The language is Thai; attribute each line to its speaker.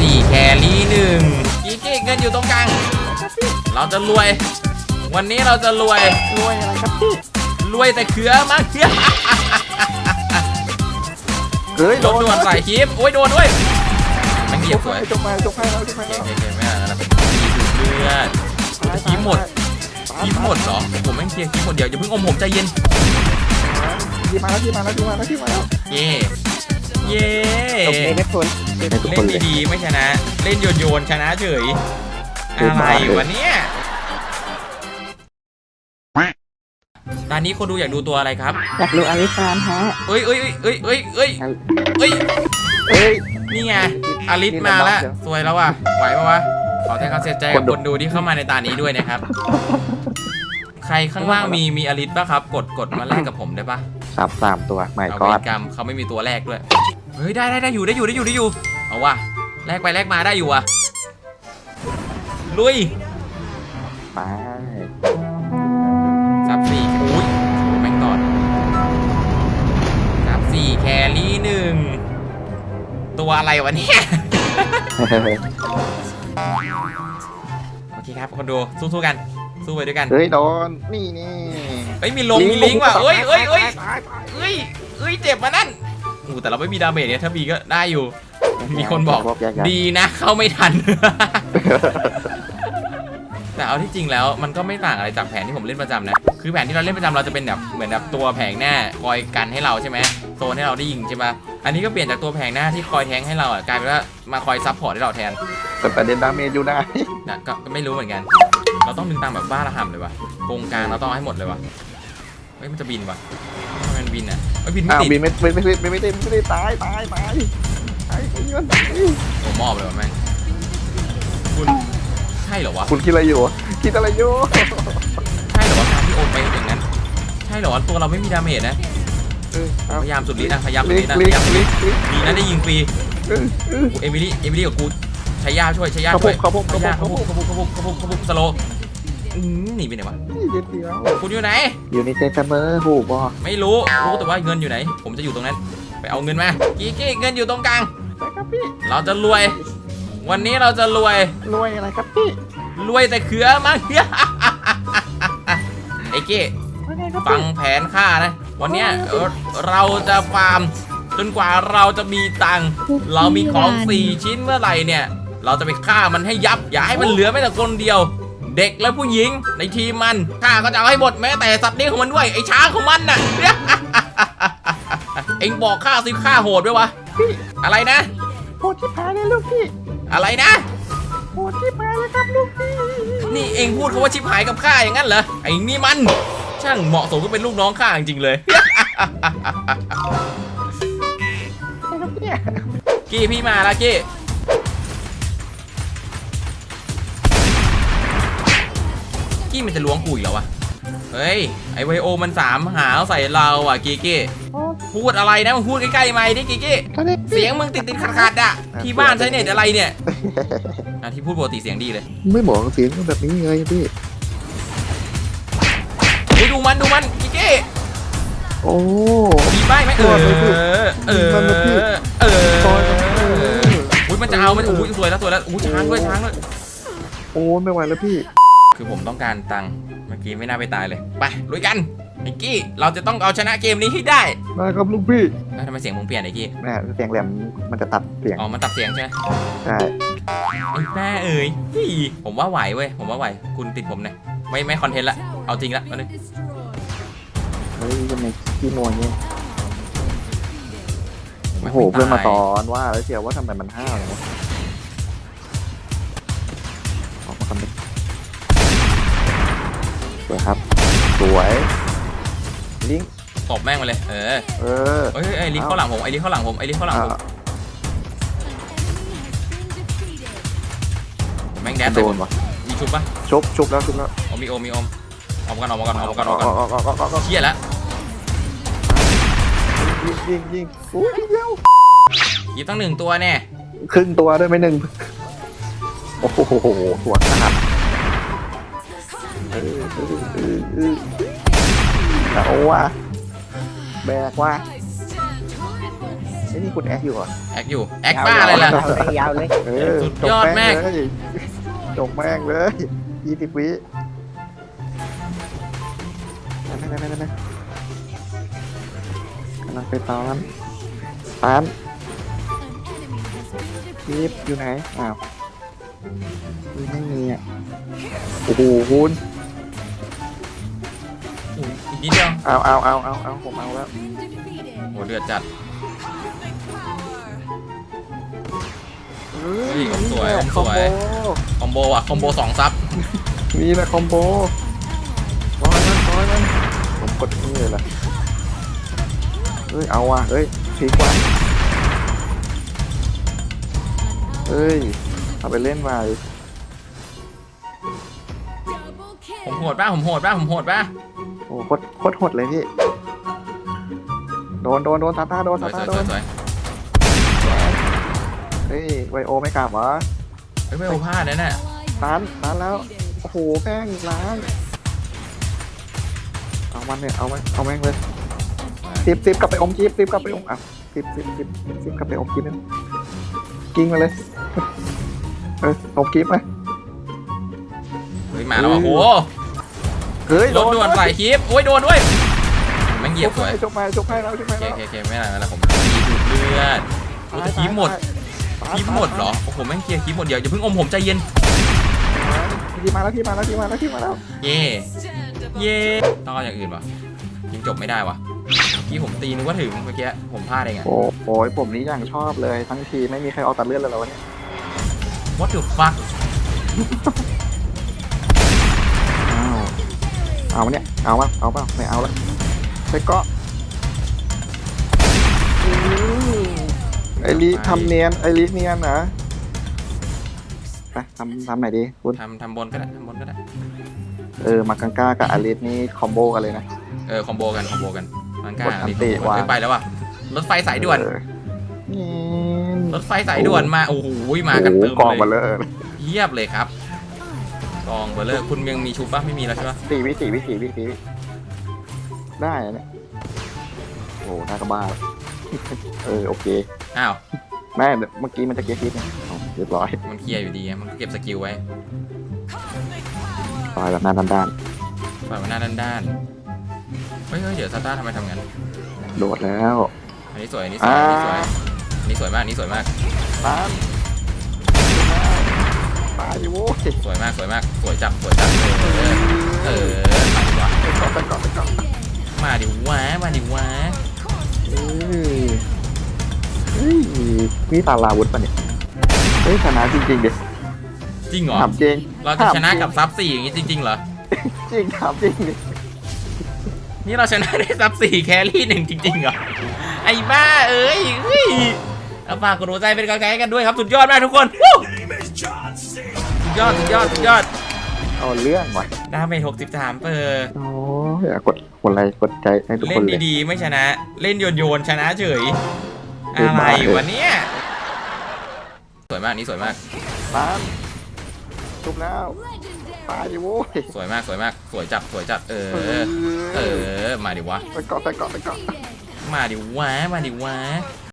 Speaker 1: 4แครี่1กีกี้เงินอยู่ตรงกลางเราจะรวยวันนี้เราจะรวย
Speaker 2: อะไรครับพี่
Speaker 1: รวยแต่เขือมาก
Speaker 2: เฮ้ย
Speaker 1: โดนใส่คลิปโอ้ยโดนด้วยมันเหยียบสวย
Speaker 2: จบไปแล้ว
Speaker 1: ไม่อะไรนะเลือดคลิปหมดเหรอผมไม่เคลียร์คลิปหมดเดี๋ยวอย่าเพิ่งอมผมใจเย็น
Speaker 2: ที่มาแล้ว
Speaker 1: เย่
Speaker 2: จบเองนะคุณ
Speaker 1: เล่นดีๆไม่ชนะเล่นโยนชนะเฉยอะไรวะเนี่ยตอนนี้คนดูอยากดูตัวอะไรครับ
Speaker 2: อยากดูอลิซานฮะ
Speaker 1: เอ้ยนี่ไงอลิสมาแล้วสวยแล้วว่ะไหวปะวะขอแสดงความเสียใจกับคนดูที่เข้ามาในตานี้ด้วยนะครับใครข้างล่างมีอลิสป่ะครับกดมาแลกกับผมได้ป่ะ
Speaker 2: 3ตัวไม่ก็
Speaker 1: กรรมเขาไม่มีตัวแรกด้วยเฮ้ยได้อยู่เอาว่ะแลกไปแลกมาได้อยู่อ่ะลุย
Speaker 2: ไป
Speaker 1: ซับ4อุ้ยแม่งตอดซับ4แครี่1ตัวอะไรวะเนี่ยโอเคครับคนดูสู้กันสู้ไปด้วยกัน
Speaker 2: เฮ้ยโดนนี่
Speaker 1: เฮ้ยมีลิงว่ะเอ้ยเจ็บมานั่นแต่เราไม่มีดาเมจเนี่ยถ้ามีก็ได้อยู่มีคนบอกดีนะเข้าไม่ทันแต่เอาที่จริงแล้วมันก็ไม่ต่างอะไรจากแผนที่ผมเล่นประจำนะคือแผนที่เราเล่นประจำเราจะเป็นแบบเหมือนแบบตัวแผงหน้าคอยกันให้เราใช่ไหมโซนให้เราได้ยิงใช่ปะอันนี้ก็เปลี่ยนจากตัวแผงหน้าที่คอยแทงให้เรากลายเป็นว่ามาคอยซับพอร์ตให้เราแทน
Speaker 2: แต่ประเด็นดาเมจอยู่ได้
Speaker 1: นะก็ไม่รู้เหมือนกันเราต้องดึงตามแบบบ้าระห่ำเลยวะโกงกลางเราต้องให้หมดเลยวะเฮ้ยมันจะบินวะมันบินอ่ะบินไม่ติด
Speaker 2: ไม่ได้ตาย
Speaker 1: ผมมอบเลยวะแม่งคุณใช่เหรอวะ
Speaker 2: คุณคิดอะไรอยู่
Speaker 1: ใช่เหรอวะการที่โอนไปอย่างนั้นใช่เหรอตัวเราไม่มีดาเมจนะพยายามสุดฤทธิ์นะดีนะได้ยิงฟรีเอมิลี่กับกูใช้ยาช่วย
Speaker 2: เขาพุ่ง
Speaker 1: สโลหนีไปไหนวะคุณอยู่ไหน
Speaker 2: อยู่ในเซนเมอร์หูบอ
Speaker 1: ไม่รู้แต่ว่าเงินอยู่ไหนผมจะอยู่ตรงนั้นไปเอาเงินมากี้เงินอยู่ตรงกลางเราจะรวยวันนี้เราจะรวย
Speaker 2: อะไรครับพี่
Speaker 1: รวยแต่เขือมากไอ้เก้ฟังแผนข้านะวันนี้เราจะฟาร์มจนกว่าเราจะมีตังค์เรามีของ4ชิ้นเมื่อไหร่เนี่ยเราจะไปฆ่ามันให้ยับอย่าให้มันเหลือแม้แต่คนเดียวเด็กและผู้หญิงในทีมมันข้าก็จะเอาให้หมดแม้แต่สัตว์เลี้ยงของมันด้วยไอ้ช้างของมันน่ะเอ็งบอกข้าสิข้าโหดด้วยวะอะไรนะ
Speaker 2: โหดที่พายเลยลูกพี่
Speaker 1: อะไรนะ
Speaker 2: โหดที่พายเลยครับลูกพี่
Speaker 1: นี่เอ็งพูดคำว่าชิบหายกับข้าอย่างนั้นเหรอไอ้นี่มันช่างเหมาะสมก็เป็นลูกน้องข้าจริงๆเลยกี้พี่มาแล้วกี้มันจะล้วงกูอีกเหรอวะเฮ้ยไอไวโอมัน3หาวใส่เราอ่ะกี้พูดอะไรนะมึงพูดใกล้ๆไมค์ดิกี้เสียงมึงติดขัดอ่ะที่บ้านใช้เน็ตอะไรเนี่ยที่พูดปกติเสียงดีเลย
Speaker 2: ไม่บอกเสียงแบบนี้ไงพี่
Speaker 1: ดูมันกี้
Speaker 2: โอ้
Speaker 1: มีป้ายไหมมันจะเอามันสวยแล้วช้างด้วย
Speaker 2: โอ้ไม่ไหวแล้วพี่
Speaker 1: คือผมต้องการตังค์เมื่อกี้ไม่น่าไปตายเลยไปลุยกันไอ้กี้เราจะต้องเอาชนะเกมนี้ให้ได้
Speaker 2: ครับลูกพี่
Speaker 1: ทำไมเสียงมึงเปลี่ยนไอ้กี้
Speaker 2: เสียงแหลมมันจะตัดเสียง
Speaker 1: มันตัดเสียงใช่ไหม
Speaker 2: ใช่
Speaker 1: ไอ้แม่ผมว่าไหวเว้ยคุณติดผมเนี่ยไม่คอนเทนต์ละเอาจริงละมาเลย
Speaker 2: เฮ้ยทำไมขี้โมยเนี่ยโอ้โหเพื่อนมาสอนว่าแล้วเชียวว่าทำไมมันห้าวอย่างนี้ออกมาคำนึงสวยครับสวยลิง
Speaker 1: ตบแม่งมาเลยไอ้ลิงเข้าหลังผมแม่งแดด
Speaker 2: โดนวะ
Speaker 1: มีชุบปะ
Speaker 2: ชุบแล้ว
Speaker 1: มีอมออกกันเชี่ยแล้ว
Speaker 2: ยิงอุ้ยเร็ว
Speaker 1: ยิงตั้ง1ตัวแน่
Speaker 2: ครึ่งตัวด้วยไม่1โอ้โหหัวขาดเอาว่ะแบกว่ะไอ้นี่คุณแอคอยู่เหรอ
Speaker 1: แอคอยู่แอคบ้าอะไรล่ะ
Speaker 3: ยาวเลย
Speaker 2: เออ
Speaker 1: สุดยอดแม่ง
Speaker 2: จบแม่งเลย20 วินั่นกำลังไปตอนคลิปอยู่ไหนอ้าวไม่มีอ่ะโอ้โหคุณ
Speaker 1: อุ๊ยอีกนิดเดียว
Speaker 2: เอาผมเอาแล้ว
Speaker 1: โหเดือดจัด
Speaker 2: เฮ้
Speaker 1: ยผมสวยผมสวย คอมโบอ่ะคอมโบ2 ซับ
Speaker 2: นี่แหละคอมโบร้อยมันผมกดนี่เลยล่ะเฮ้ยเอาว่ะเฮ้ยพีกว่าเฮ้ยเอาไปเล่นมา
Speaker 1: ผมโหดป่ะผมโหดป่ะ
Speaker 2: โอ้โหโคตรโหดเลยพี่โดนตาตาโดน
Speaker 1: สวย
Speaker 2: ตา
Speaker 1: สวย
Speaker 2: ตาโด
Speaker 1: สวน ยสวย
Speaker 2: เฮ้ยไวโอไม่กลับวะ
Speaker 1: เฮ้ยไม่เอาพลาดนะเนี่ย
Speaker 2: ตันแล้วโอ้โหแป้งล้างเอามันเนี่ยเอาแม่งเลยซิบกลับไปอมจิ๊บซิบกลับไปอมอ่ะซิบกลับไปอมจิ๊บนั่นกิ้งมาเลยอมจิ๊บมา
Speaker 1: เฮ้ยมาแล้วอ่ะโห
Speaker 2: เฮ้ย
Speaker 1: รถด่วนใส่คลิปโอ้ยโดนด้วยแม่งเหยียบสวย
Speaker 2: จบไปแล้ว
Speaker 1: เคไม่เป็นไรผมดูดเลือดโอ้แต่คลิปหมดเหรอโอ้โหแม่งเคลียร์คลิปหมดเดี๋ยวอย่าเพิ่งอมผมใจเย็น
Speaker 2: พี่มาแล้ว
Speaker 1: เย่ต้องเอาอย่างอื่นป่ะยิงจบไม่ได้วะที่ผมตีนึกว่าถึงเมื่อกี้ผมพลาดเองอะ
Speaker 2: โอ้ยผมนี้อย่างชอบเลยทั้งทีไม่มีใครเอาตัดเลือดเลยแล้วเนี่ย
Speaker 1: What the fuck
Speaker 2: เอาเนี่ยเอาเปล่าไม่เอาละไปเกาะไอริทำเนียนนะไปทำไหนดีคุณ
Speaker 1: ทำบนก็ได้
Speaker 2: มากังก้ากับอลิสนี่คอมโบกันเลยนะ
Speaker 1: คอมโบกันมันกล้าก
Speaker 2: ดอันติว่ะ
Speaker 1: ไปแล้วว่ะรถไฟสายด่วน
Speaker 2: นี่
Speaker 1: รถไฟสายด่วนมาโอ้โหมากันเติม
Speaker 2: กองมา
Speaker 1: เล
Speaker 2: เลย ย
Speaker 1: เยียบเลยครับกองเบอร์เลอร์คุณยังมีชุบป่ะไม่มีแล้วใช่ป่ะ
Speaker 2: 4 วิได้เนี่ยโอ้น่ากระบ้าโอเค
Speaker 1: อ้าว
Speaker 2: แม่เมื่อกี้มันจะเกียร์คิดเรียบร้อย
Speaker 1: มันเคลียร์อยู่ดีไงมันเก็บสกิลไว้
Speaker 2: ต่อยแบบหน้าด้าน
Speaker 1: ปล่อยมันหน้าด้านเฮ้ยเดี๋ยวซาต้าทำไมทำงั้น
Speaker 2: โดดแล้ว
Speaker 1: อันนี้สวยมาก
Speaker 2: ตามตายอยู่โว้ย
Speaker 1: สวยมากสวยจับมาดิวะมาดิวะ
Speaker 2: นี่ตาลาวุธปะเนี่ยชนะจริงๆดิ
Speaker 1: จริงเหรอ
Speaker 2: ถามจริง
Speaker 1: เราจะชนะกับซับ4อย่างนี้จริงๆเหรอ
Speaker 2: จริงถามจริงดิ
Speaker 1: นี่เราชนะได้ซับ4แครี่1จริงๆเหรอไอ้บ้าเอ้ยเอาฝากกดหัวใจเป็นกำลังใจให้กันด้วยครับสุดยอดมากทุกคนสุดยอด
Speaker 2: เอาเรื่องว่ะ
Speaker 1: ดาเมจ63
Speaker 2: โอ้ยกดไลค์กดใจให้ทุกค
Speaker 1: เล่
Speaker 2: น
Speaker 1: น
Speaker 2: เลย
Speaker 1: ดีๆไม่ชนะ เล่นโยนชนะเฉยอะไรวะเนี่ยสวยมากนี่สวยมาก
Speaker 2: ตามจบแล้วตายอยู่โว้ย
Speaker 1: สวยมากสวยจัดมาดิวะ
Speaker 2: ไปเกาะ
Speaker 1: มาดิวะ